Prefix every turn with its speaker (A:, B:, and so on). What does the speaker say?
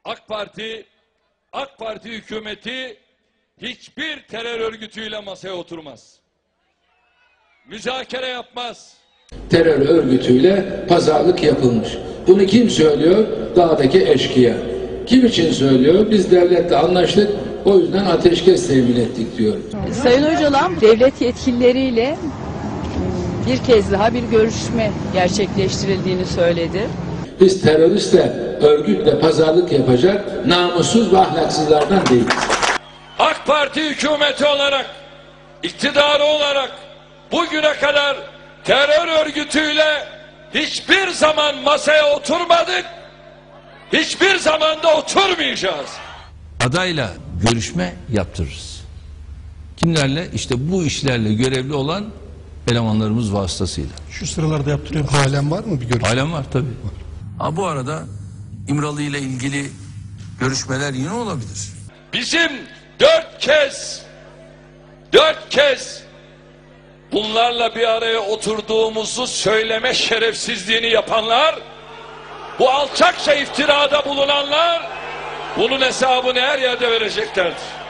A: AK Parti hükümeti hiçbir terör örgütüyle masaya oturmaz. Müzakere yapmaz.
B: Terör örgütüyle pazarlık yapılmış. Bunu kim söylüyor? Dağdaki eşkıya. Kim için söylüyor? Biz devletle anlaştık, o yüzden ateşkes temin ettik diyor.
C: Sayın Öcalan devlet yetkilileriyle bir kez daha bir görüşme gerçekleştirildiğini söyledi.
B: Biz teröristle, örgütle pazarlık yapacak namussuz ve ahlaksızlardan değiliz.
A: AK Parti hükümeti olarak, iktidarı olarak bugüne kadar terör örgütüyle hiçbir zaman masaya oturmadık, hiçbir zaman da oturmayacağız.
D: Adayla görüşme yaptırırız. Kimlerle? İşte bu işlerle görevli olan elemanlarımız vasıtasıyla.
E: Şu sıralarda yaptırıyor. Halen var mı bir görüşme?
D: Halen var tabii. Ha, bu arada İmralı ile ilgili görüşmeler yine olabilir.
A: Bizim dört kez bunlarla bir araya oturduğumuzu söyleme şerefsizliğini yapanlar, bu alçakça iftirada bulunanlar bunun hesabını her yerde vereceklerdir.